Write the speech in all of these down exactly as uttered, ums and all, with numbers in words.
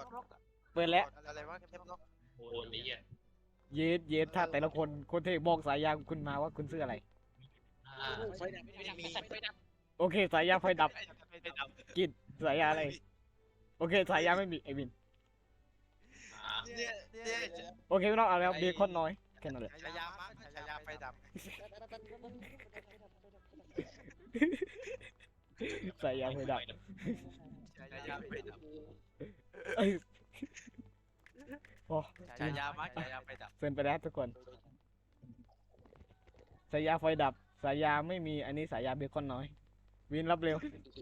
เปิดแล้วอะไรวะแคปล็อกโอ้ยนี่อ่ะเยสเยสถ้าแต่ละคนคนเทบอกสายยางคุณมาว่าคุณซื้ออะไรอ่าไฟดับไฟดับไฟดับโอเคสายยางไฟดับไม่ดับกินสายยางอะไรโอเคสายยางไม่มีไอวินอ่าเนี่ยเนี่ยโอเคไม่ต้องเอาแล้วเบคอนน้อยแค่นั้นแหละฉายามั้งฉายาไฟดับสายยางไฟดับฉายาไฟดับเอ้ยโอ้ฉายามั้งฉายาไฟดับเซ็นไปแล้วทุกคนสายยางไฟดับสายยางไม่มีอันนี้สายยางเบคอนน้อย วินรับเร็ว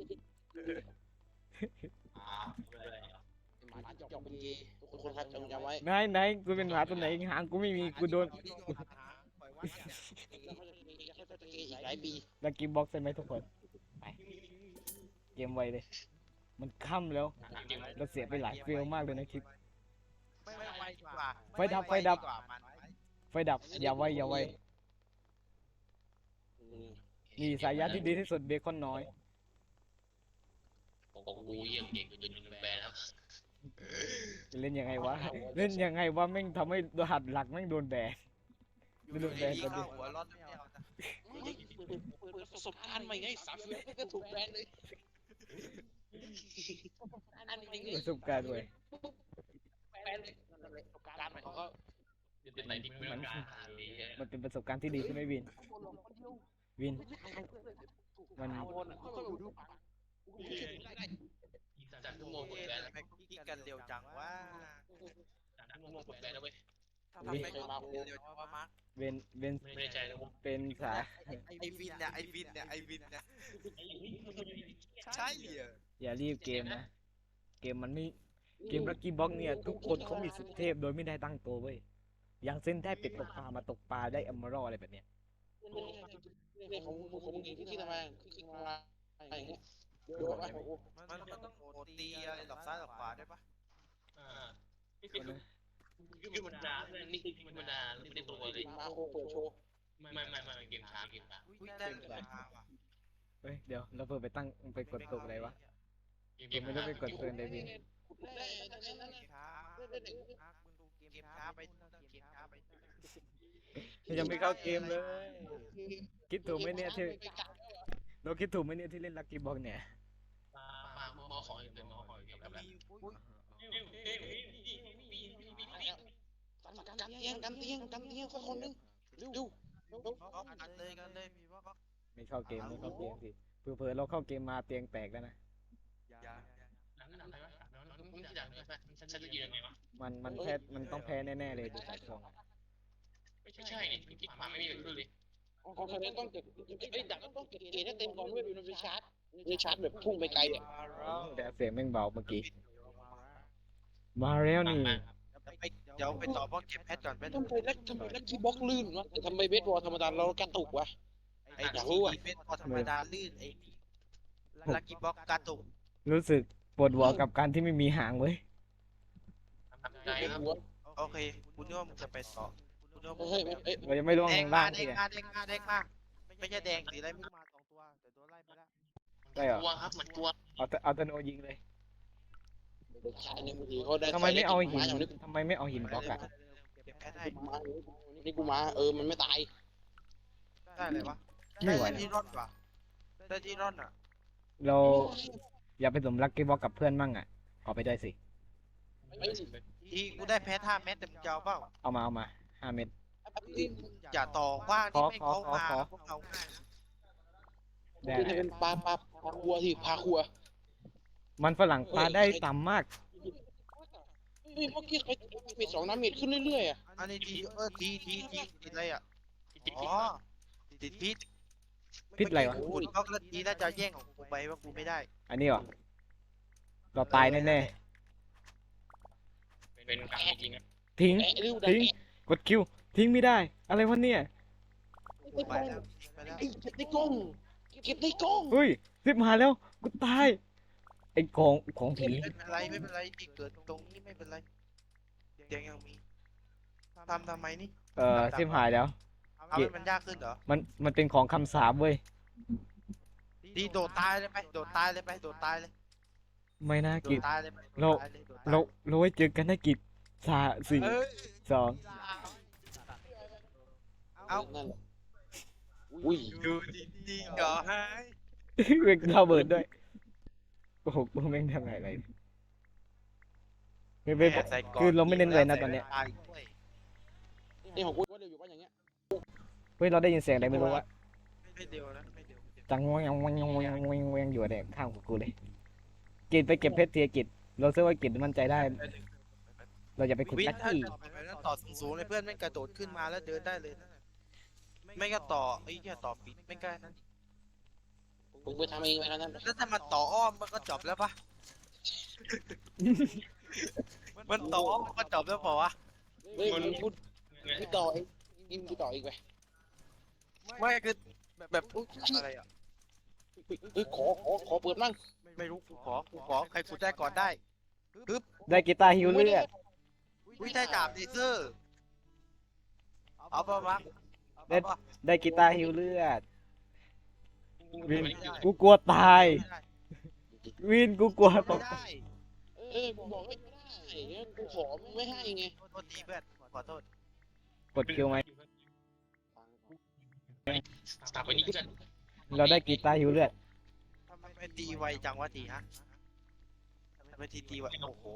อ่าเลยหมาจอกเป็นเกย์ทุกคนครับจงจำไว้ไหนไหนกูเป็นหมาตัวไหนหางกูไม่มีกูโดนแล้วเขาจะมีอีกหลายปีลักกี้บ็อกซ์ใช่ไหมทุกคนไปเกมไวเลย มันค่ำแล้วจริงเราเสียไปหลายเฟลมากเลยนะคลิปไม่ไวกว่าไฟดับไฟดับกว่ามันไฟดับอย่าไวอย่าไวนี่สายยางที่ดีที่สุดเบคอนน้อยๆของกูยังเก่งจนแบนแล้วเล่นยังไงวะ เล่นยังไงวะแม่งทำให้รหัสหลักแม่งโดนแบน ไม่รู้แบนอยู่กันดิดีๆเข้าหัวร้อนไม่เอานะเปิดประสบการณ์ใหม่ไงสามเดือนก็ถูกแบนเลยอันนี้ประสบการณ์เว้ยแบนเลยประสบการณ์ใหม่ของเขาเป็นอะไรที่ไม่ต้องการดีมันเป็นประสบการณ์ที่ดีใช่ไหมวิน วิน มันเขาต้องดูปากจากชั่วโมงหมดแบนแล้วทำไมคุกกี้กันเร็วจังวะจากชั่วโมงหมดแบนแล้วเว้ยทำไมคุกกี้กันเร็วจังวะมาร์คเวนเวนไม่ได้ใจแล้ววะเป็นสายไอวินเนี่ยไอวินเนี่ยไอวินเนี่ยใช่เหรออย่ารีบเกมนะ เกมมันไม่ เกมลักกี้บ็อกเนี่ยทุกคนเขามีสุดเทพโดยไม่ได้ตั้งตัวเว้ย อย่างเส้นได้เป็ดตกปลามาตกปลาได้อัมเมอรัลอะไรแบบเนี้ยเนี่ยของของมึงที่ที่ทำไมที่มาอะไรเงี้ยเดี๋ยวว่ามันมันต้องโอตีอะไรหลอกซ้ายหลอกขวาด้วยปะอ่านี่คือคือมันดาเนี่ยนี่คือมันดาไม่ได้ตัวเลยมาโคเปิดโชว์ไม่ไม่ไม่ไม่เกมช้าเกมช้าอุ้ยได้เหลือมาว่ะเฮ้ยเดี๋ยวเราเพิ่งไปตั้งไปกดตกอะไรวะเกเกมไม่ได้ไปกดเตือนเลยวินได้ได้ได้ช้ามาร์คมึงดูเกมช้าไปเกมช้าไปยังไม่เข้าเกมเลย คิดถูกไหมเนี่ยที่เราคิดถูกไหมเนี่ยที่เล่นลักกี้บ็อกเนี่ยมามามาขออีกเลยมาขออีกแบบแบบมีอุ้ยกันเตียงกันเตียงกันเตียงคนคนนึงเร็วเร็วบล็อกกันเลยกันเลยมีบล็อกไม่เข้าเกมไม่เข้าเกมสิเผื่อๆเราเข้าเกมมาเตียงแตกแล้วนะอย่าหนังหนังอะไรวะหนังมึงที่ดังเลยฉันฉันจะยืนยังไงวะมันมันแพ้มันต้องแพ้แน่ๆเลยดูสายทรงอะไม่ใช่นี่ที่ขวาไม่มีอะไรเลยของคะแนนต้องเก็บไอ้ดักต้องเก็บเกณฑ์ให้เต็มก่อนด้วยดูมันไปชาร์จไปชาร์จแบบพุ่งไปไกลอ่ะแต่เสียงแม่งเบาเมื่อกี้ มาแล้วนี่เดี๋ยวไปต่อบล็อกเก็บแพทก่อนไปทำไมลักทำไมลักที่บล็อกลื่นวะแต่ทำไมเบสบอลธรรมดาเรากระตุกวะไอ้ที่เป็นพอธรรมดาลื่นไอ้ลักกี้บล็อกกระตุกรู้สึกปวดหัวกับการที่ไม่มีหางเว้ยทำใจครับหัวโอเคกูนึกว่ามึงจะไปต่อกูนึกว่ามึงเฮ้ยเอ้ยเรายังไม่ล่วงแดลงงมาล่างแดทีงเนี่ยมาแดงมาแดงมาไม่ใช่แดงสีอะไรมึงมาสองตัวแต่ตัวไล่ไปแล้วได้เหรอกลัวครับมันกลัวเอาแต่เอาแตโนยิงเลยขายในมือถือเขาได้ทำไมไม่เอาหินอย่างนี้ทำไมไม่เอาหินบล็อกอะเก็บแพทให้มานี่กูมาเออมันไม่ตายได้เลยวะไม่ไหวได้ที่ร่อนว่ะได้ที่ร่อนอ่ะเราอย่าไปสมลักกี้บล็อกกับเพื่อนมั่งอะขอไปด้วยสิทีกูได้แพทห้าเม็ดแต่มึงจะเอาเปล่าเอามาเอามาห้าเม็ดอย่าต่อว่างที่ไม่เขามาขอขอขอพวกเขาง่ายได้จะเป็นปลาปลาปลาคัวที่ปลาคัวมันฝรั่งปลาได้ต่ำมากเฮ้ยเมื่อกี้ไปไปสองน้ำเม็ดขึ้นเรื่อยๆอ่ะอันนี้ทีเออทีทีทีติดอะไรอ่ะอ๋อติดพิษพิษอะไรวะคุณก็ทีน่าจะแย่งของกูไปว่ากูไม่ได้อันนี้เหรอ เราตายแน่เป็นกลางจริงอ่ะๆ ทิ้งแอะเร็วดัทิ้ง กดคิว ทิ้งไม่ได้ อะไรวะเนี่ยไปแล้วไปแล้วไอ้เก็บในกล้องเก็บในกล้องเฮ้ยสิบหายแล้ว กูตาย ไอ้ของของผีไม่เป็นไรไม่เป็นไรที่เกิดตรงนี้ไม่เป็นไรเตียงยังมีทำทำไมนี่เอ่อสิบหายแล้วทำให้มันยากขึ้นเหรอมัน มันเป็นของคำสาปเว้ยดีโดดตายเลยไปโดดตายเลยไปโดดตายเลยไม่น่าโดกินจตายเลยโดนเราตายเลยโดนตายเราเราไว้เจอกันนะกิจสามสี่เอ้ยสองเอ้านั่นแหละอุ้ยดูดีๆเหรอฮะเวกเราเบิดด้วยโอ้โหกูแม่งทำอะไรไม่ไม่แม่ใส่กคือเราไม่เน้นเลยนะตอนเนี้ยใส่ตายด้วยนี่ของกูว่าเร็วอยู่ว่าอย่างเงี้ยเฮ้ยเราได้ยินเสียงอะไรไม่รู้ว่าไม่เดียวนะไม่เดียวไม่เดียวจังวงยังวงยังวงยังวงยังวงอยู่เนี่ยข้างกูเลยกิจไปเก็บเพชรเทียกิจเราเชื่อว่ากิจมั่นใจได้ เราอย่าไปขุดวิทลักย์ถ้ากี้ต่อไปแล้วต่อสูงๆเลยเพื่อนไม่งกระโดดขึ้นมาแล้วเดินได้เลยนะไม่ก็ต่อไอ้เหี้ยต่อปิดไม่ใกล้นั้นมึงไปทำเองไปแล้วนั่นแล้วถ้ามันต่ออ้อมมันก็จบแล้วปะ มันต่ออ้อมมันก็จบแล้วเปล่าวะเฮ้ยมึงพูดพูดต่อเองกินกูต่ออีกไปไม่คือแบบอุ๊ยอะไรอ่ะเฮ้ยขอขอขอเปิดมั่งไม่รู้กูขอกูขอใครขุดได้ก่อนได้ได้กีตาร์ฮิวเลือดวิได้ดาบเลเซอร์เอาปะวะได้เอาปะได้กีตาร์ฮิวเลือดไม่ได้กูกลัวตาย วินกูกลัวตไม่กได้เออกูบอกให้ไม่ได้งั้นกูขอมึงไม่ให้ไงโทษทีเพื่อนขอโทษกดคิวไหมสถาปนิกกันเราได้กีตาร์ฮิวเลือดทำไมไปตีไวจังวะทีฮะทำไมทีตีไวโอ้โห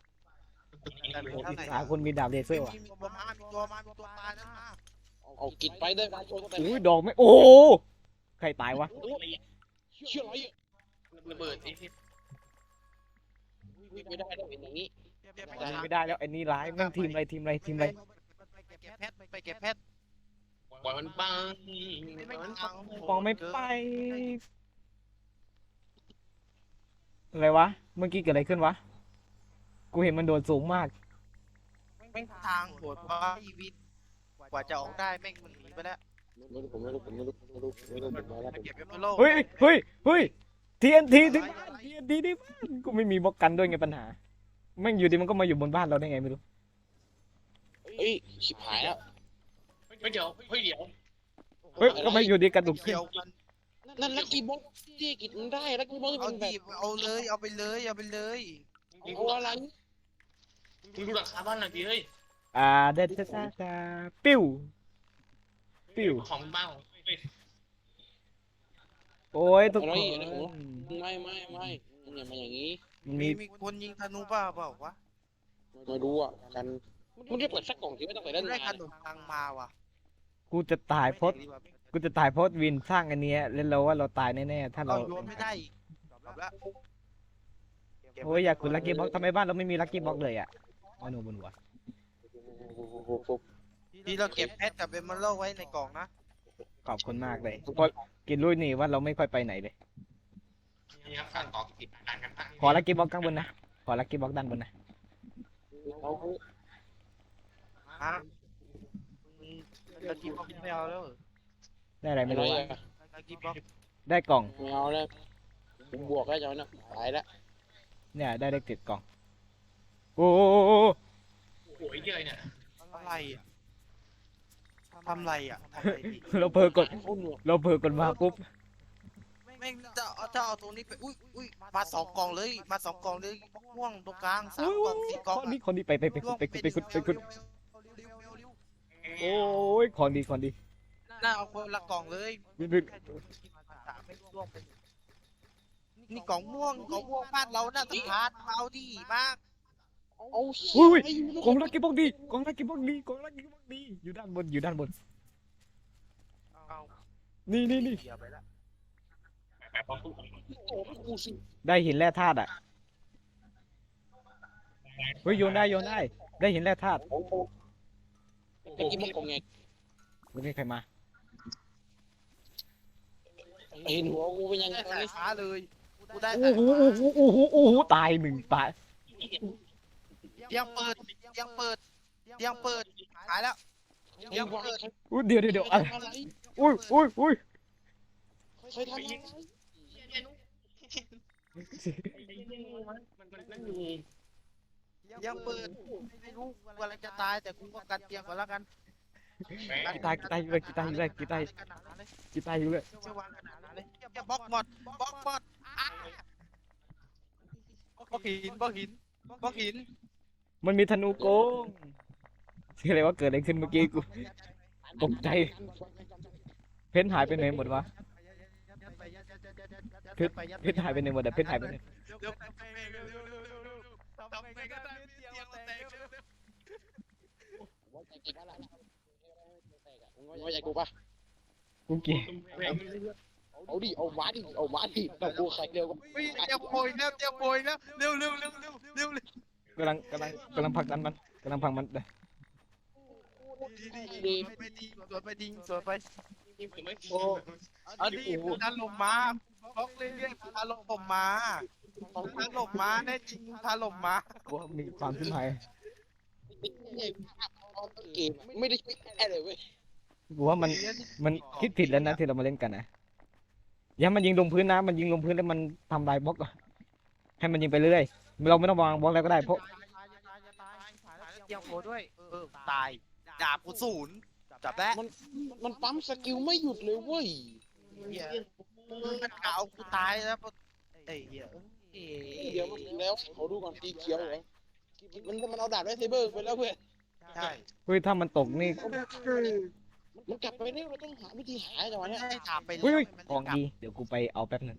หาคนมีดาบเลเซอร์ว่ะมีตัวมามีตัวมามีตัวมานั่นมาเอากินไปได้มาชนแต่อุ้ยดอกไม่โอ้โหใครตายวะเชื่ออะไรอ่ะระเบิดไอ้ที่ไม่ได้ได้เป็นอย่างนี้เก็บไม่ได้แล้วไอ้นี่ร้ายแม่งทีมอะไรทีมอะไรทีมอะไรไปเก็บเพชรไปเก็บเพชรปล่อยมันบ้างไม่มันฟองไม่ไปอะไรวะเมื่อกี้เกิดอะไรขึ้นวะกูเห็นมันโดดสูงมากแม่งทางโหดว่าชีวิตกว่าจะออกได้แม่งมันหนีไปแล้วไม่รู้ผมไม่รู้ผมไม่รู้ไม่รู้ไม่รู้ผมมาแล้วไปเก็บเอมเบอร์โลเฮ้ยเฮ้ยเฮ้ยทีเอ็นทีที่บ้านทีเอ็นทีที่บ้านกูไม่มีบล็อกกันด้วยไงปัญหาแม่งอยู่ดีมันก็มาอยู่บนบ้านเราได้ไงไม่รู้เฮ้ยชิบหายแล้วเฮ้ยเดี๋ยวเฮ้ยเดี๋ยวเฮ้ยก็มาอยู่ดีกระดุกขึ้นเกี่ยวกันนั่นลักกี้บ็อกที่กินมันได้ลักกี้บ็อกที่เอามันแบดีบเอาเลยเอาไปเลยเอาไปเลยเอาอะไรมึงดูหลังคาบ้านหน่อยดิเฮ้ยอ่าเด็ดซ่าซาปิ้วปิ้วของบ้านของเฮ้ยโอ้ยทุกคนไม่ไม่ไม่อย่ามาอย่างนี้มันมีมีมีคนยิงธนูบ้าเปล่าวะไม่รู้อ่ะกันมึงได้เปิดสักกล่องที่ไม่ต้องไปเล่นได้งาขนนมปังมาว่ะกูจะตายเพราะกูจะตายเพราะวินสร้างอันเนี้ยแล้วเราว่าเราตายแน่ๆถ้าเราเราโยนไม่ได้อีกจบแล้วโอ้ยอยากขุดลักกี้บ็อกทำไมบ้านเราไม่มีลักกี้บ็อกเลยอ่ะอ๋อหนูบนหัวที่เราเก็บเพชรกับเอมเบอร์โลไว้ในกล่องนะขอบคุณมากเลยเพราะกินลุยนี่ว่าเราไม่ค่อยไปไหนเลยนี่ครับการต่อติดการกันตั้งขอลักกี้บ็อกข้างบนนะขอลักกี้บ็อกด้านบนนะฮะลักกี้บ็อกไม่เอาแล้วได้อะไรไม่ไม่รู้รู้อ่ะอะลักกี้บ็อกได้กล่องไม่เอาแล้วผมบวกแล้วจอยนะตายแล้วเนี่ยได้เลขติดกล่องโอ้โหโอ้ยเยอะเนี่ยอะไรอ่ะทำไรอ่ะทำไรดีเราเผลอกดโอ้หนวกเราเผลอกดมาปุ๊บแม่งจะเอาจะเอาตรงนี้ไปอุ้ยอุ้ยมาสองกล่องเลยมาสองกล่องเลยม่วงตรงกลางสามกล่องสี่กล่องคนนี้คนนี้ไปไปไปไปไปไปขุดไปขุดเร็วเร็วเร็วโอ้ยของดีของดีน่าเอาคนละกล่องเลยวินวินสามไม่ร่วงไปนี่กล่องม่วงกล่องม่วงบ้านเราน่าจะทานเอาดีมากเอาอุ้ยกล่องลักกี้บ็อกดีกล่องลักกี้บ็อกดีกล่องลักกี้บ็อกดีอยู่ด้านบนอยู่ด้านบนเอานี่นี่นี่เสียไปละแบบพอพูดโอ้กูสิได้หินแร่ธาตุอ่ะเฮ้ยโยนได้โยนได้ได้หินแร่ธาตุไอ้กินมันกงไงวันนี้ใครมาเห็นหัวกูเป็นยังไงได้ตอนสายนี้ฟ้าเลยกูได้โอ้สายโหฟ้าโอ้โหโอ้โหโอ้โหตายหนึ่งตายเตียงเปิดเตียงเปิดเตียงเปิดหายแล้วไอ้วายใครอุ้ยเดี๋ยวเดี๋ยวเดี๋ยวอะไรทำอะไรอุ้ยอุ้ยอุ้ยใครทำอะไรมันมันนั่นอยู่เตียงเปิดไม่รู้กำลังจะตายแต่กูก็กันเตียงก่อนแล้วกันกีตาร์กีตาร์อยู่เลยกีตาร์อยู่เลยกีตาร์กีตาร์อยู่เลยจะวางขนาดนั้นเลยจะบล็อกหมดบล็อกหมดอ่ะบล็อกหินบล็อกหินบล็อกหินมันมีธนูโกงชื่ออะไรว่าเกิดอะไรขึ้นเมื่อกี้กู ตกใจ เพชรหายไปไหนหมดวะ เพชรเพชรหายไปไหนหมดอะเพชรหายไปไหนเร็วทำไงเร็วเร็วเร็วเร็วเร็วทำไงก็ได้เตียงมันแตกเร็วเร็วไว้ใจกูปะล่ะมึงไว้ใจกูปะกูเกลียดแม่งเอาดิเอามาดิเอามาดิแต่กูใครเร็วก็เฮ้ยเตียงโปรยแล้วเตียงโปรยแล้วเร็วเร็วเร็วเร็วเร็วเร็วกำลังกำลังกำลังผลักดันมันกำลังผลักมันเลยดีดีดีไปดีสวนไปดีสวนไปไม่โอ้เอาดิพันลมมาบล็อกเรื่อยๆพันลมผมมาพันลมมาแน่จริงพันลมมากูว่ามีความขึ้นหายเกมไม่ได้ช่วยแค่เลยเว้ยกูว่ามันมันคิดผิดแล้วนะที่เรามาเล่นกันนะอย่ามันยิงลงพื้นนะมันยิงลงพื้นแล้วมันทำลายบล็อกอะให้มันยิงไปเรื่อยเราไม่ต้องวางบล็อกแล้วก็ได้เพราะเตียงโปรด้วยเออตายดาบกูศูนย์จับได้มันมันปั๊มสกิลไม่หยุดเลยเว้ยเหี้ยมันกาวกูตายแล้วไอ้เหี้ยเอ้เดี๋ยวมันแล้วเขาดูก่อนตีเขียวเหรอมันมันเอาดาบไวเซเบอร์ไปแล้วเพื่อนใช่เฮ้ยถ้ามันตกนี่มันกลับไปเร็วเราต้องหาวิธีหาจังหวะเนี้ยให้ถามไปเฮ้ยแล้วเฮ้ยมันกองดีเดี๋ยวกูไปเอาแป๊บนึง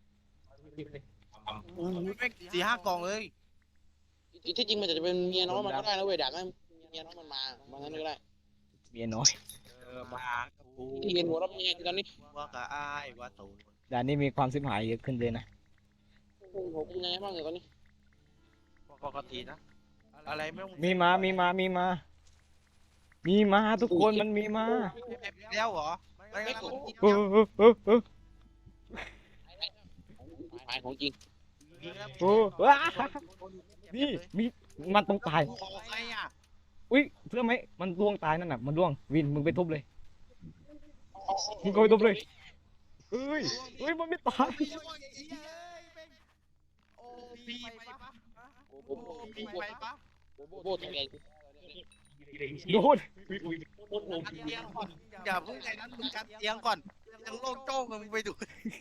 สี่ห้ากล่องเลยที่จริงมันจะเป็นเมียน้อยมันก็ได้นะเว้ยดาบนั้นเมียน้อยมันมามางั้นก็ได้เมียน้อยเออมากูที่เห็นหัวเราเป็นยังไงตอนนี้ว่ากะอ้ายว่าตูด่านนี้มีความสิบหายเยอะขึ้นเลยนะผมเป็นยังไงบ้างเนี่ยตอนนี้ปกตินะอะไรไม่ต้องมีมามีมามีมา มีมาทุกคนมันมีมาแล้วเหรอไม่งั้นมันกินเออเออเออเออหายของจริงเออว้านี่มีมันต้องตายกูออกไงอ่ะอุ้ยเชื่อไหมมันล่วงตายนั่นน่ะมันล่วงวินมึงไปทุบเลย มึงก็ไปทุบเลยเอ้ยเอ้ยมันไม่ตายโอ้พีไปปะโอ้โหโอ้พีไปปะโบทำไงโดนกันเตียงก่อนอย่าเพิ่งไอ้นั้นมึงกันเตียงก่อนยังโล่งโจ้งมึงไปดู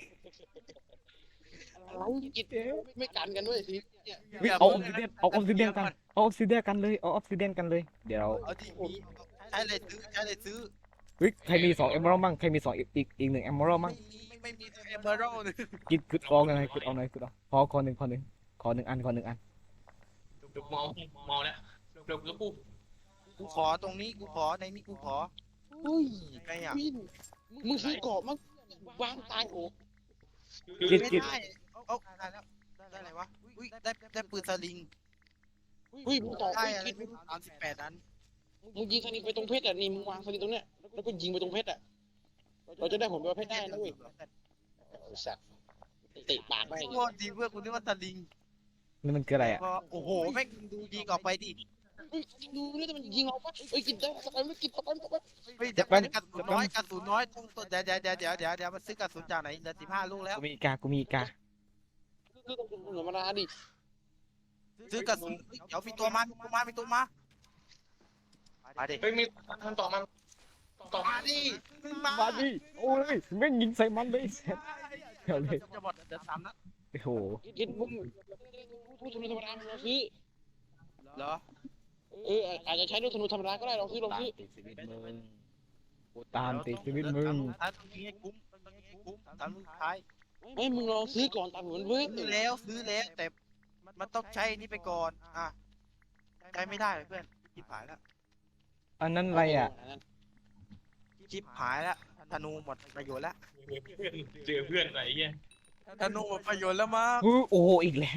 อะไรกินไม่กันกันด้วยสิเฮ้ยเอาออฟซิเดียนเอาออฟซิเดียนกันเอาออฟซิเดียนกันเลยเอาออฟซิเดียนกันเลยเดี๋ยวเอาที่มีใช้เลยซื้อใช้เลยซื้อเฮ้ยใครมีสองเอมเมอรัลมั่งใครมีสองอีกอีกอีกหนึ่งเอมเมอรัลมั่งไม่ไม่มีเอเมอรัลเลยกินกึดออกหน่อยกึดออกหน่อยกึดออกขอขอหนึ่งขอหนึ่งขอหนึ่งอันขอหนึ่งอันดูเมาเมาแล้วเร็วแล้วกูกูขอตรงนี้กูขอในนี้กูขอเฮ้ยไงอ่ะวินมึงซื้อกรอบมั้งวางตายโอ้กินไม่กินได้เอาได้แล้วได้อะไรวะอุ้ยได้ได้ปืนสลิงเฮ้ยมึงต่อได้ไอ้อะไรคิดไม่รู้สามสิบแปดนั้นมึงยิงสนิทไปตรงเพชรอ่ะนี่มึงวางสนิทตรงเนี้ยแล้วก็ยิงไปตรงเพชรอ่ะเราจะได้ผลประเภทได้นะเว้ยไอ้สัตว์เตะปากไม่โคตรดีเพื่อนกูนึกว่าสลิงนี่มันคืออะไรอ่ะก็โอ้โหแม่งดูดีกว่าไปดิเฮ้ยดูนี่แต่มันยิงเราปะเฮ้ยกินได้สไปไม่กินสไปสไปเฮ้ยเดี๋ยวมันกระสุนน้อยกระสุนน้อยต้องเดี๋ยวเดี๋ยวเดี๋ยวเดี๋ยวเดี๋ยวเดี๋ยวมันซื้อกระสุนจากไหนเดือนสิบห้าลูกแล้วกูมีอีกากูมีอีกาคือต้องธรรมดาดิซื้อกระสุนเดี๋ยวมีตัวมามีตัวมามีตัวมามาดิเฮ้ยมีทำต่อมันต่อมาดิมามาดิโอ้ยแม่งยิงใส่มันเลยเสร็จเอาเลยจะหมดเดือนสามนัดโอ้โหกินมึงพูดธนูธรรมดาเราซื้อเหรอเอออาจจะใช้ลูกธนูธรรมดาก็ได้เราซื้อเราซื้อติดชีวิตมึงกูตามติดชีวิตมึงท้ายตรงนี้ให้คุ้มตรงนี้ให้คุ้มตามลูกท้ายไม่มึงลองซื้อก่อนตามเหมือนเว้ยซื้อแล้วซื้อแล้วแต่มันต้องใช้นี่ไปก่อนอ่ะใช้ไม่ได้เพื่อนชิบหายแล้วอันนั้นอะไรอ่ะชิบหายแล้วธนูหมดประโยชน์แล้วเจอเพื่อนไหนเงี้ยธนูหมดประโยชน์แล้วมั้งเฮ้ยโอ้โหอีกแล้ว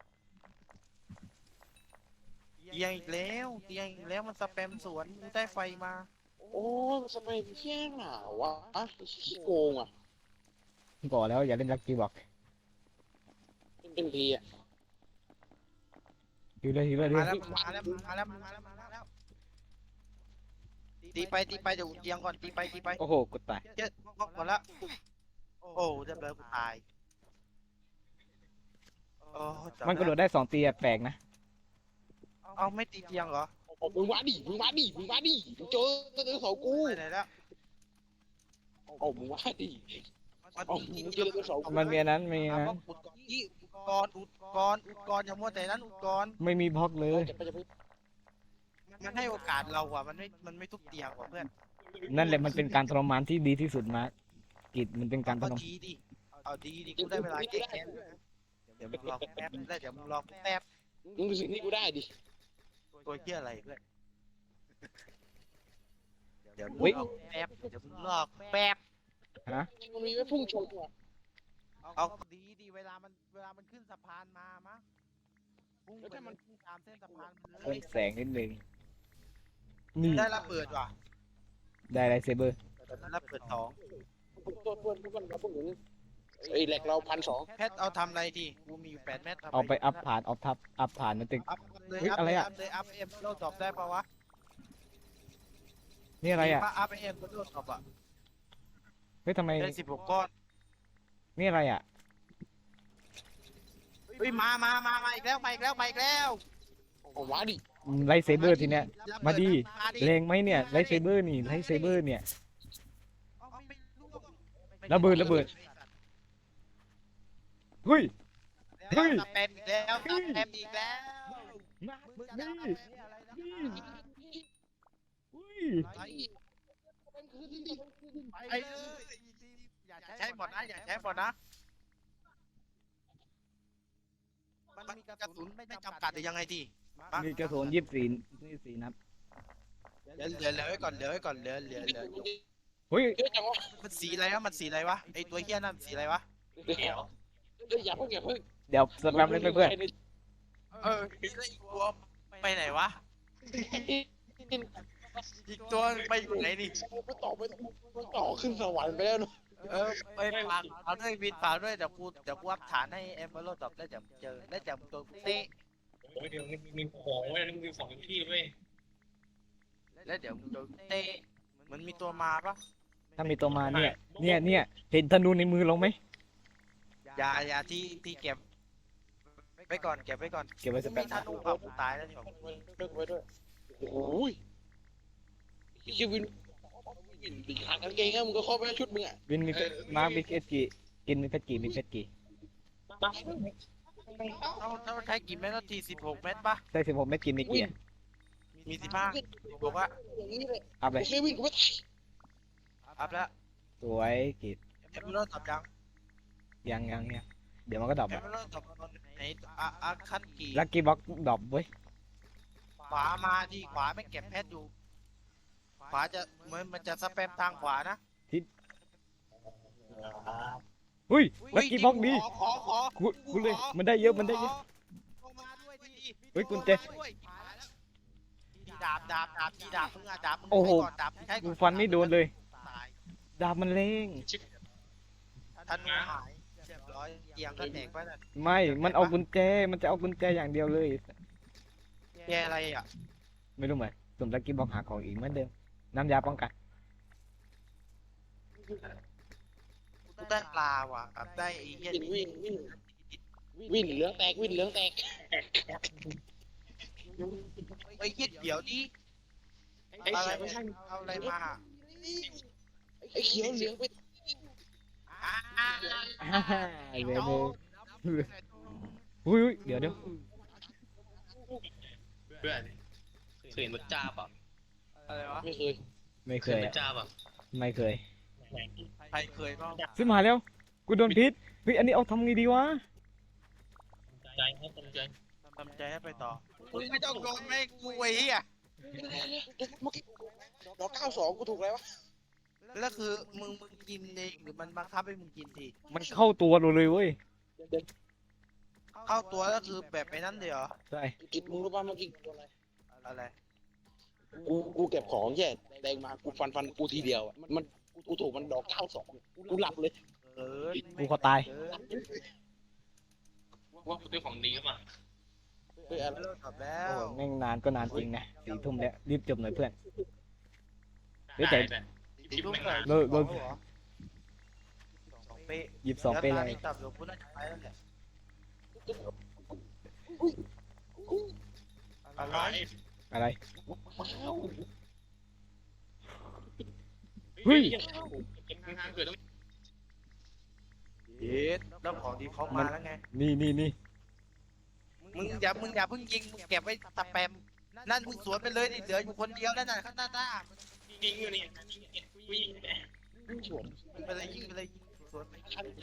เตียงอีกแล้วเตียงอีกแล้วมันสแปมสวนกูได้ไฟมาโอ้ยมันสเปรย์เพี้ยนหนาวะอ่ะขี้โกงอ่ะบอกแล้วอย่าเล่นลักกี้บอกเป็นทีอ่ะฮิวเลยฮิวเลยฮิวมาเลยแล้วมาแล้วมาแล้วมาแล้วมาแล้วตีไปตีไปเดี๋ยวเตียงก่อนตีไปตีไปโอ้โหกูตายเจ๊ก็หมดละโอ้เรียบร้อยกูตายโอ้จับมันกระโดดได้สองตีอะแปลกนะเอาไม่ตีเตียงเหรอมึงมาดิมึงมาดิมึงมาดิมึงเจอเจอเสากูไปไหนแล้วโอ้มึงมาดิมันโอ้ตีมึงเตีเจยงอเสากูมันมีอันนั้นมีเอานะว่าขุดก่อนที่กรอุดกรอุดกรอย่ามัวแต่นั้นอุดกรไม่มีบล็อกเลยจะไปจะไปมันให้โอกาสเราอ่ะมันไม่มันไม่ทุบเตียงว่ะเพื่อนนั่นแหละมันเป็นการทรมานที่ดีที่สุดมาร์คกิจมันเป็นการทก็รมานดีดิเอาดีดิกูได้เวลาแก้แค้นเดี๋ยวมึงรอแป๊บแล้วเดี๋ยวมึงรอแป๊บมึงดูสิ่งที่กูได้ดิตัวเหี้ยอะไรเพื่อนเดี๋ยวมึงรอแป๊บเดี๋ยวมึงรอแป๊บฮะมันมีไว้พุ่งชนอ่ะเอาดีดีเวลามันเวลามันขึ้นสะพานมามั้งพุ่งไปมันพุ่งตามเส้นสะพานมันเลเพิ่ยมแสงนิดนึงนี่ได้ระเบิดว่ะได้ไรเซเบอร์ได้ระเบิดสองตัวตัวตัวตัวพวกนี้ไอ้แหลกเราพันสองแพทเอาทำอะไรดีกูมีอยู่แปดเมตรทำะรเอาไปอัพผ่านอัพทับอัพผ่านมันตึกอัพเลยเฮ้ยอัพอะไรเลยอะอัพเลยอัพเอ็มโลดรอปได้ปะวะนี่อะไรอ่ะถ้าอัพเอ็มโลดรอปอ่ะเฮ้ยทำไมได้สิบหกก้อนนี่อะไรอ่ะเฮ้ยมามามามาอีกแล้วมาอีกแล้วมาอีกแล้วเอามาดิไรเซเบอร์ทีเนี้ยระเบิมาดิมาดิแรงไหมเนี่ยไรเซเบอร์นี่ไรเซเบอร์เนี่ยเอาไม่รู้ระเบิดระเบิด เฮ้ย เฮ้ยสแปมอีกแล้วสแปมอีกแล้วมามึงนี่จะทำอะไรนะอุ้ยไปไปเลยอย่าใช้หมดนะอย่าใช้หมดนะมันมีกระสุนไม่จำกัดหรือยังไงทีมีกระสุนยี่สิบสี่ยี่สิบสี่นัดเหลือเหลือเหลือไว้ก่อนเหลือไว้ก่อนเหลือเหลือเหลือเฮ้ยเยอะจังวะมันสีอะไรวะมันสีอะไรวะไอตัวเฮี้ยนั่นสีอะไรวะเดี๋ยวเดี๋ยวอย่าเพิ่งอย่าเพิ่งเดี๋ยวสแปมเล่นไปเพื่อนเออแล้วอีกตัวไปไหนวะอีกตัวไปอยู่ไหนนี่ไปต่อไปต่อขึ้นสวรรค์ไปแล้วเนอะเออไปฝากเอาด้วยวินฝากด้วยเดี๋ยวกูเดี๋ยวกูอัพฐานให้เอ็มเบอร์โลตอบแล้วเดี๋ยวเจอแล้วเดี๋ยวตัวเตะโอ้ยเดี๋ยวมันมีของไว้มีของที่เว้ยแล้วเดี๋ยวตัวเตะมันมีตัวมาปะถ้ามีตัวมาเนี่ย เนี่ยเนี่ยเห็นธนูในมือลงไหมอย่าอย่าที่ที่เก็บไปก่อนเก็บไว้ก่อนเก็บไว้สแปมีมธนูเปล่ากูตายแล้วนี่หว่าเลิกไว้ด้วยโอ้ยคิววินวินปีขาดกางเกงอะมึงก็ครอบไว้ชุดมึงอ่ะวินมีเพชรมาร์คมีเพชรกี่กินมีเพชรกี่มีเพชรกี่เอาเอาใช้กี่เม็ดนาทีสิบหกเม็ดปะได้สิบหกเม็ดกินมีกี่อะมีสิบห้าบอกว่าอย่างนี้เลยอัพเลยไม่วิ่งกูไม่อัพแล้วสวยกิดเอ็มเบอร์โลตอบยังยังยังยังเดี๋ยวมันก็ดรอปเอ็มอะเบอร์โลตอบไหนอะอะขั้นกี่ลักกี้บ็อกดรอปเว้ยขวามาดิขวาไม่เก็บเพชรอยู่ขวาจะเหมือนมันจะสแปมทางขวานะเฮ้ยลักกี้บ็อกดีขอขอกูกูเลยมันได้เยอะมันได้เยอะขอมาด้วยดิเฮ้ยกุญแจทีดาบดาบดาบทีดาบมึงอะดาบมึงโอ้โหใช้ก่อนดาบใช้ก่กูอนฟันไม่โดนเลยตายดาบมันเร่งธนูหายเรียบร้อยเตียงก็แตกไปแล้วไม่ มันเอากุญแจ มันจะเอากุญแจอย่างเดียวเลยแกอะไรอ่ะไม่รู้เหมือนสุ่มลักกี้บ็อกหาของอีกเหมือนเดิม น้ำยาป้องกันกูได้ปลาว่ะกับได้ไอ้เหี้ยวิ่งวิ่งวิ่งวิ่งเหลืองแตกวิ่งเหลืองแตกไอ้เหี้ยเดี๋ยวดิไอ้อะไรเขียวเอาอะไรมาไอ้เขียวเหลืองไปอ่าอ่าฮ่าฮ่าเดี๋ยวเดี๋ยวอุ้ยอุ้ยเดี๋ยวเดี๋ยวเพื่อนเคยเห็นมันจ้าป่ะอะไรวะไม่เคยไม่เคเคยยเห็นอะจ้าป่ะไม่เคยใครเคยบ้างซื้อมาแล้ว กูโดนพิษ เฮ้ย อันนี้เอาทำไงดีวะใจครับตรงใจทำใจให้ไปต่อมึงไม่ต้องโดนไม่กูไอ้เหี้ยเมื่อกี้ดอกเก้าสองกูถูกแล้ววะแล้วคือมึงมึงกินเองหรือมันบังคับให้มึงกินทีมันเข้าตัวเราเลยเว้ยเข้าตัวแล้วคือแบบไปนั้นเลยเหรอใช่กิดมึงรู้ป่ะเมื่อกี้อะไรกูกูเก็บของแย่แดงมากูฟันฟันกูทีเดียวอะมันกูถูกมันดอกเก้าสองกูหลับเลยเออกูก็ตายเออว่าคุณเป็นของดีครับป่ะเฮ้ยอะไรเลิกตอบแล้โอ้วโหแม่งนานก็นานจริงนะสี่ทุ่มแล้ว รีบจบหน่อยเพื่อน เฮ้ยได้แต่แต่ตีลูกเลยเลิกเลิกสองเป๊ะหยิบสองไปเลยดี๋วตานี้จับหลวงพ่อน่าจะไปแล้วแหละอะไรอะไรว้าวเฮ้ยเก็บข้างๆเกิดต้องเย็ดแล้วของที่เขามาแล้วไงนี่นี่นี่มึงอย่ามึงอย่าเพิ่งยิงมึงเก็บไว้สแปมนั่นมึงสวนไปเลยดิเหลืออยู่คนเดียวนั่นน่ะข้างหน้าหน้ายิงอยู่เนี่ยยิงเนี่ยกูยิงเนี่ยสวนไปเลยยิงไปเลยยิงสวนไป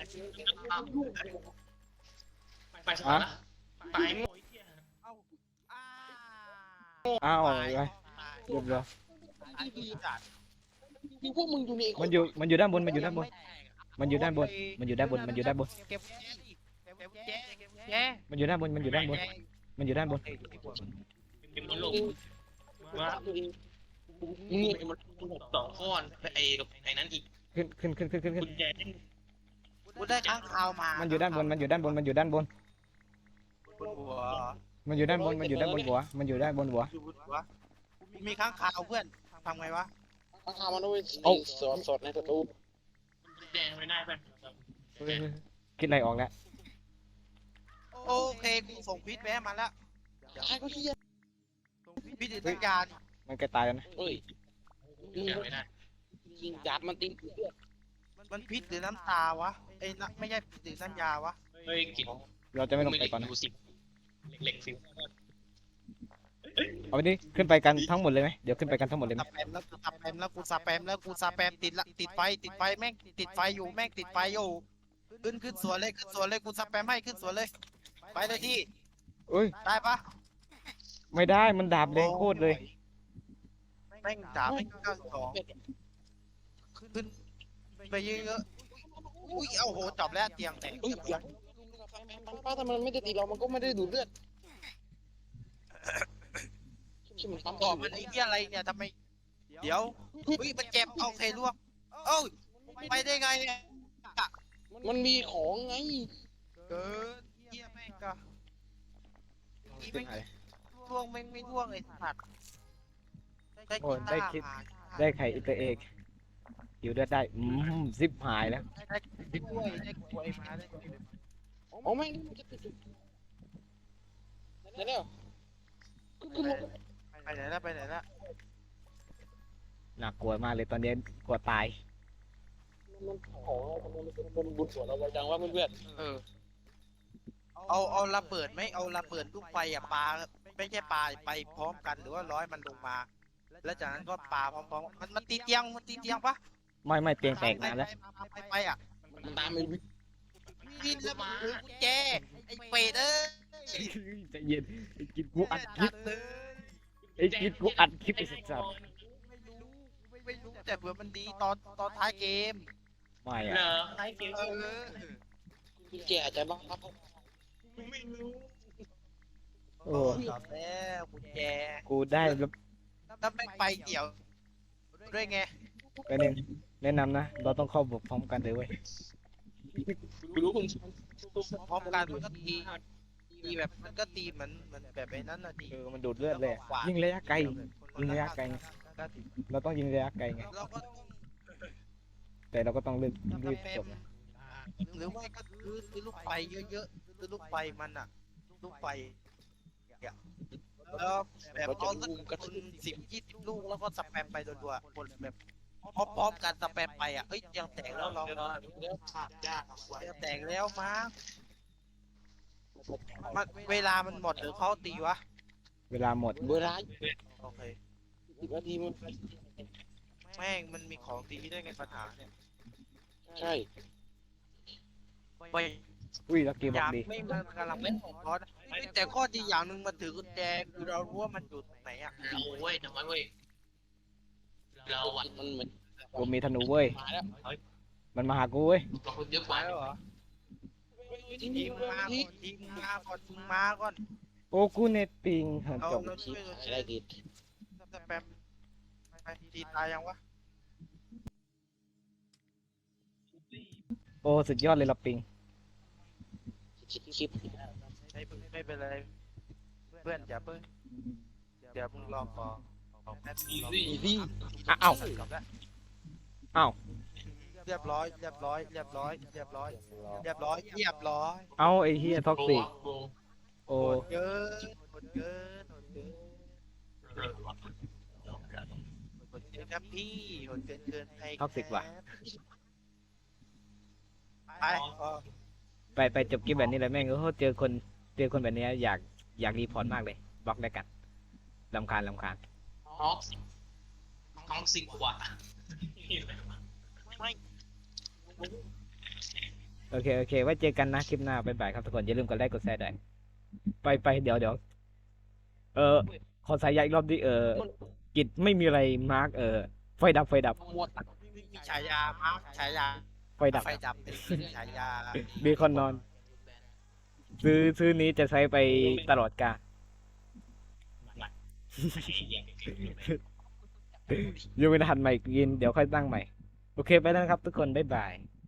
ไปสวนละไปโง่ไอ้เหี้ยเอาอ้าอ้าวตายไปตายเรียบร้อยตายดีจัดคือพวกมึงอยู่ในมันอยู่มันอยู่ด้านบนมันอยู่ด้านบน มันอยู่ด้านบน มันอยู่ด้านบน มันอยู่ด้านบนเก็บแย่ดิเก็บแย่เก็บแย่มันอยู่ด้านบน มันอยู่ด้านบน มันอยู่ด้านบนเป็นมันหลงว่าตัวเองมึงเนี่ยมันสองข้อนไอ้กับไอ้นั้นอีกขึ้นขึ้นขึ้นขึ้นขึ้นขึ้นกุญแจกูได้ค้างคาวมามัมันอยู่ด้านบน มันอยู่ด้านบน มันอยู่ด้านบนบนหัวมันอยู่ด้านบน มันอยู่ด้านบนหัว มันอยู่ด้านบนหัวอยู่บนหัวกูมีค้างคาวเพื่อนทำไงวะข้างคาวมันด้วยสอดสอดในประตูกุญแจไม่ได้เพื่อนคิดอะไรออกแล้วโอเคกูส่งพิษไปให้มันแล้วไอ้ก็ที่ส่งพิษติดสัญญาณมันใกล้ตายแล้วนะเฮ้ยกุญแจไม่ได้ยิงดาบมันตีเลือดมันพิษหรือน้ำตาวะไอ้ยน้ำไม่ใช่พิษหรือน้ำยาวะเฮ้ยกินเราจะไม่ลงไปก่อนนะดูสิเหล็กสิเอาไปดิขึ้นไปกันทั้งหมดเลยไหมเดี๋ยวขึ้นไปกันทั้งหมดเลยไหมสแปมแล้วกูสแปมแล้วกูสแปมแล้วกูสแปมติดละติดไฟติดไฟแม่งติดไฟอยู่แม่งติดไฟอยู่ขึ้นขึ้นสวนเลยขึ้นสวนเลยกูสแปมให้ขึ้นสวนเลยไปเลยที่เอ้ยได้ปะไม่ได้ มันดาบแรงโคตรเลยแม่งดาบแม่งเก้าสองขึ้นไปเยอะๆอุ้ยเอาโหจบแล้วเตียงแตกเฮ้ยเดี๋ยวป้าถ้ามันไม่ได้ตีเรา มันก็ไม่ได้ดูดเลือดใช่มันปั๊มบอกมันไอ้เหี้ยอะไรเนี่ยทำไมเดี๋ยวอุ้ยมันเจ็บเอาเคลวกเอ้าไปได้ไงเนี่ยมันมีของไงเกินเหี้ยแม่งก็อีแม่งล่วงแม่งไม่ล่วงไอ้สัตว์ได้โอ้กียตาได้คิดร์มาได้ไข่อินเตอร์เอกอยู่ได้ได้ อืมซิปหายแล้วได้ได้กล้วยได้กล้วยมาได้กล้วยมาอ๋อไม่มันจะติดได้แล้วก็คือลงไปไหนแล้วไปไหนแล้วน่ากลัวมากเลยตอนนี้กลัวตายมันของมันเป็นบนบุญสวนเราไว้จังว่าเพื่อนเออเอาเอาระเบิดไหมเอาระเบิดลูกไฟอ่ะปาไม่ใช่ปาไปพร้อมกันหรือว่าร้อยมันลงมา แล้วจากนั้นก็ปาพร้อมๆมันมันตีเตียงมันตีเตียงปะไม่ไม่เตียงแตกนานแล้วไปไปอ่ะมันตามไปวิ่งวินแล้วมันถือกุญแจไอ้เป็ดเอ้ยใจเย็นไอ้กินกูอัดคลิตัปดเลยไอ้กินกูอัดคลิปไอ้สัสไม่รู้ไม่รู้แต่เผื่อมันดีตอนตอนท้ายเกมไม่เหรอะอใครเกมเออกุญแจอาจจะบ้างครับไม่รู้โอ้จบแล้วกุญแจกูได้แล้วถ้าไม่ไปเดี่ยวด้วยไงไปเน้นแนะนำนะ เราต้องเข้าบทพร้อมกันเลยเว้ยกูรู้คุณพร้อมกันมันก็ตีตีแบบมันก็ตีเหมือนเหมือนแบบไอ้นั้นน่ะดีเออมันดูดเลือดเลยอะยิงระยะไกล ยิงระยะไกลไง เราต้องยิงระยะไกลไงเราก็แต่เราก็ต้องรีบรีบเป็จนบนะหรือไม่ก็คือซื้อลูกไฟเยอะๆซื้อลูกไฟมันอ่ะ ลูกไฟเนี่ยแล้วแบบเอาสักคนสิบยี่สิบลูกแล้วก็สแปมไปรัวๆคนแบบพร้อมๆกันสแปมไปอ่ะเอ้ยยังแตกแล้วลองเดี๋ยวขาดยากยังแตกแล้วมั้งมันเวลามันหมดหรือเขาตีวะเวลาหมดเวลาโอเคสิบนาทีมันแม่งมันมีของตีได้ไงปัญหาเนี่ยใช่ไปอุ้ยลักกี้บออกยากดีไม่มันกำลังเป็นของคอร์สแต่ข้อดีอย่างหนึ่งมันถือกุญแจคือเรารู้ว่ามันอยู่ตรงไหนอ่ะเราเว้ยทำไมเว้ยเราอ่ะมันเหมือนกูมีธนูเว้ยมาแล้วมันมาหากูเว้ยเราคนเยอะกมาว่าแล้วเหรอทีทีนี้มมามาทีก่อนทีมมาก่อนทีมมาก่อนโอ้กูเน็ตปิงเหินเราจบเราช่วยเราช่วยได้ดีสแปมไปทีตายยังวะโอ้สุดยอดเลยละปิงคิดคิดไม่ไม่เป็นไรเพื่อนอย่าเพิ่งเดี๋ยวมึงรอก่อนแป๊บนึงรออีซี่อ้าวจบแล้วอ้าวเรียบร้อยเรียบร้อยเรียบร้อยเรียบร้อยเรียบร้อยเรียบร้อยเอาไอ้เฮียท็อกซิกโกงโอ้โหดเกินโหดเกินโหดเกินเออโหดเกินครับพี่โหดเกินเกินไปท็อกซิกว่ะไปไปเออไปไปจบคลิปแบบนี้เลยแม่งโอ้โหเจอคนเจอคนแบบนี้อยากอยากรีพอร์ตมากเลยบล็อกได้กันลำคาญลำคาญท้องท้องสิบกว่าไม่โอเคโอเคไว้เจอกันนะคลิปหน้าบ๊ายบายครับทุกคนอย่าลืมกดไลค์กดแชร์ด้วยไปไปเดี๋ยวเดี๋ยวเออขอสายใยอีกรอบดิเออกิจไม่มีอะไรมาร์กเออไฟดับไฟดับมัวตัดมีฉายามาฉายาไฟดับไฟดับเป็นฉายาเบคอนนอน ซื้อซื้อนี้จะใช้ไปตลอดกาลยังไม่ทันใหม่กินเดี๋ยวค่อยตั้งใหม่ โอเคไปแล้วนะครับทุกคน บ๊ายบาย